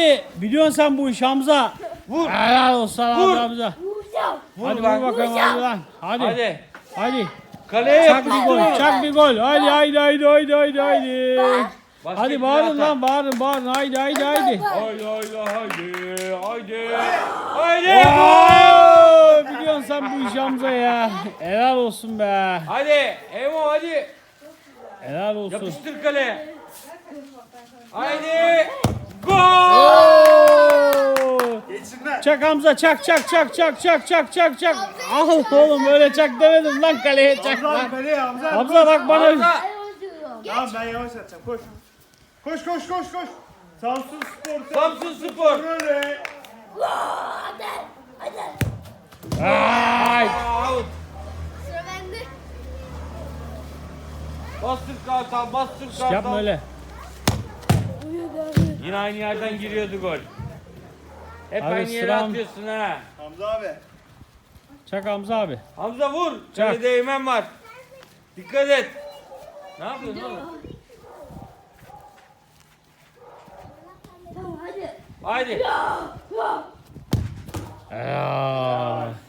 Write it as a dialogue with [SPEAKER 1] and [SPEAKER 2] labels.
[SPEAKER 1] Hadi biliyorsun sen bu iş Hamza.
[SPEAKER 2] Vur.
[SPEAKER 1] Helal olsun
[SPEAKER 2] Vur.
[SPEAKER 1] Hamza. Hadi
[SPEAKER 2] lan.
[SPEAKER 1] vur bakalım hadi lan. Hadi.
[SPEAKER 2] Hadi.
[SPEAKER 1] Hadi.
[SPEAKER 2] Kaleye
[SPEAKER 1] Çak bir
[SPEAKER 2] yapıştır.
[SPEAKER 1] gol. Çak bir gol. Hadi haydi haydi haydi haydi haydi.
[SPEAKER 2] Başka
[SPEAKER 1] Hadi
[SPEAKER 2] bir
[SPEAKER 1] bağırın
[SPEAKER 2] atak.
[SPEAKER 1] lan bağırın bağırın. Haydi haydi haydi.
[SPEAKER 2] Haydi haydi haydi. Haydi. Haydi.
[SPEAKER 1] Oo, biliyorsun sen bu iş Hamza ya. Helal olsun be.
[SPEAKER 2] Hadi. Emo hadi.
[SPEAKER 1] Helal olsun.
[SPEAKER 2] Yapıştır kaleye. Haydi. Gol.
[SPEAKER 1] Oo.
[SPEAKER 3] Geçsinler.
[SPEAKER 1] Çak Hamza çak çak çak çak çak çak çak çak. Al oğlum öyle çak demedim lan kaleye çak
[SPEAKER 3] Hamza
[SPEAKER 1] lan.
[SPEAKER 3] kaleye Hamza.
[SPEAKER 1] Hamza bak bana.
[SPEAKER 2] Hamza.
[SPEAKER 3] Tamam ben yavaş atacağım koş. Koş koş koş koş. Samsun Spor.
[SPEAKER 2] Samsun Spor.
[SPEAKER 3] Böyle.
[SPEAKER 1] Ay.
[SPEAKER 2] Out.
[SPEAKER 4] Sıra bende.
[SPEAKER 2] Bastır kartal, bastır kartal.
[SPEAKER 1] Yapma öyle.
[SPEAKER 2] Yine aynı yerden giriyordu gol. Hep
[SPEAKER 1] Abi
[SPEAKER 2] aynı yere
[SPEAKER 1] sıram-
[SPEAKER 2] atıyorsun ha.
[SPEAKER 3] Hamza abi.
[SPEAKER 1] Çak Hamza abi.
[SPEAKER 2] Hamza vur.
[SPEAKER 1] Çak.
[SPEAKER 2] Kalede Eymen var. Dikkat et. Ne yapıyorsun oğlum?
[SPEAKER 4] Tamam hadi.
[SPEAKER 2] Haydi.
[SPEAKER 1] Helal.